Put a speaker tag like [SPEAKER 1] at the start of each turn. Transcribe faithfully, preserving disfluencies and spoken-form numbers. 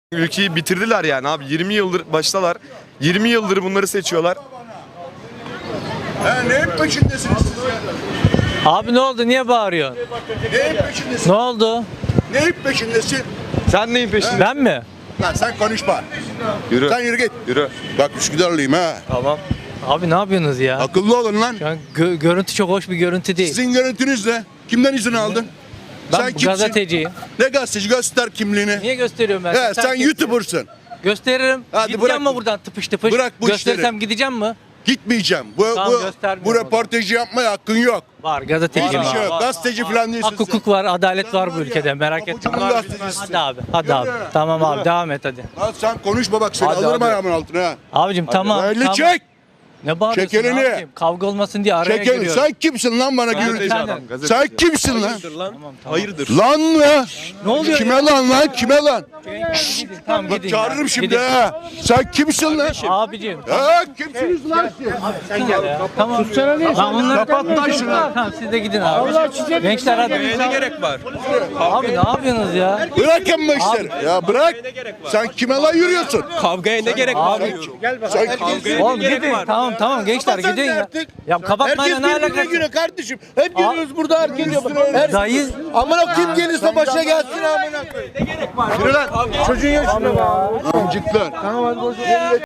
[SPEAKER 1] Ülkeyi bitirdiler yani abi. yirmi yıldır baştalar. yirmi yıldır bunları seçiyorlar.
[SPEAKER 2] Ha, neyin peşindesiniz siz ya?
[SPEAKER 3] Abi ne oldu? Niye bağırıyorsun?
[SPEAKER 2] Neyin peşindesin?
[SPEAKER 3] Ne oldu?
[SPEAKER 2] Neyin peşindesin?
[SPEAKER 1] Sen neyin peşinde?
[SPEAKER 3] Ben mi?
[SPEAKER 2] Lan sen konuşma.
[SPEAKER 1] Yürü.
[SPEAKER 2] Sen yürü git.
[SPEAKER 1] Yürü.
[SPEAKER 2] Bak Üsküdar'lıyım ha.
[SPEAKER 1] Tamam.
[SPEAKER 3] Abi ne yapıyorsunuz ya?
[SPEAKER 2] Akıllı olun lan.
[SPEAKER 3] Şu an gö- görüntü çok hoş bir görüntü değil.
[SPEAKER 2] Sizin görüntünüz ne? Kimden izin aldın?
[SPEAKER 3] Ben
[SPEAKER 2] sen kimsin?
[SPEAKER 3] gazeteciyim.
[SPEAKER 2] Ne gazeteci? Göster kimliğini.
[SPEAKER 3] Niye gösteriyorum ben?
[SPEAKER 2] He, sen
[SPEAKER 3] kimsin?
[SPEAKER 2] YouTuber'sın.
[SPEAKER 3] Gösteririm.
[SPEAKER 2] Hadi
[SPEAKER 3] Gideceğim
[SPEAKER 2] bırak.
[SPEAKER 3] mi buradan tıpış tıpış?
[SPEAKER 2] Bırak bu
[SPEAKER 3] Gösterirsem
[SPEAKER 2] işleri.
[SPEAKER 3] gideceğim mi?
[SPEAKER 2] Gitmeyeceğim. Bu,
[SPEAKER 3] Tamam,
[SPEAKER 2] bu,
[SPEAKER 3] göstermiyorum
[SPEAKER 2] bu
[SPEAKER 3] o zaman.
[SPEAKER 2] röportajı yapmaya hakkın yok.
[SPEAKER 3] Var
[SPEAKER 2] Var
[SPEAKER 3] gazeteciyim.
[SPEAKER 2] bir şey
[SPEAKER 3] abi.
[SPEAKER 2] yok. Gazeteci falan değilsin
[SPEAKER 3] Hak hukuk var, adalet var bu
[SPEAKER 2] var ya,
[SPEAKER 3] ülkede. Merak etme.
[SPEAKER 2] pabucunun gazetecisisin.
[SPEAKER 3] Hadi abi, hadi abi. Tamam abi, devam et hadi.
[SPEAKER 2] Lan sen konuşma bak seni
[SPEAKER 3] Hadi,
[SPEAKER 2] alırım
[SPEAKER 3] hadi.
[SPEAKER 2] ayağımın altına ha.
[SPEAKER 3] Abicim tamam.
[SPEAKER 2] Elini
[SPEAKER 3] tamam.
[SPEAKER 2] çek.
[SPEAKER 3] Ne bağırıyorsun
[SPEAKER 2] Çek elini.
[SPEAKER 3] abicim? Kavga olmasın diye araya
[SPEAKER 2] Çek elini.
[SPEAKER 3] giriyorum.
[SPEAKER 2] Sen kimsin lan bana
[SPEAKER 3] Ben
[SPEAKER 2] gürültü?
[SPEAKER 3] bir tane-
[SPEAKER 1] adam, gazeteci.
[SPEAKER 2] Sen kimsin lan?
[SPEAKER 3] Tamam, tamam.
[SPEAKER 1] Hayırdır?
[SPEAKER 2] Lan mı?
[SPEAKER 3] Ne oluyor
[SPEAKER 2] Kime
[SPEAKER 3] ya?
[SPEAKER 2] lan lan? Kime lan?
[SPEAKER 3] Gidin, tamam
[SPEAKER 2] Bak
[SPEAKER 3] gidin.
[SPEAKER 2] çağırırım
[SPEAKER 3] ya.
[SPEAKER 2] şimdi
[SPEAKER 3] Gidin.
[SPEAKER 2] ha. Sen kimsin lan?
[SPEAKER 3] Abicim.
[SPEAKER 2] Ha kimsiniz lan siz?
[SPEAKER 3] Sen gel ya. Tamam. Lan onları
[SPEAKER 2] Kapat lan şunu.
[SPEAKER 3] Tamam siz de gidin abi. Gençler hadi.
[SPEAKER 1] Ne gerek var?
[SPEAKER 3] Abi ne yapıyorsunuz ya?
[SPEAKER 2] Bırakın bu işleri. Ya bırak. Sen kime lan yürüyorsun?
[SPEAKER 1] Kavgaya ne gerek var?
[SPEAKER 2] Sen kimsin?
[SPEAKER 3] Oğlum gidin. Tamam tamam gençler gidin ya. Ya kapatmayla ne alakası?
[SPEAKER 4] Güne kardeşim. Hep geliyoruz burada herkes yapıyor. Her
[SPEAKER 3] Dayı
[SPEAKER 4] amına kim gelirse başa gelsin amına koyayım.
[SPEAKER 2] Yürü lan. Çocuğun yaşında. Amcıklar.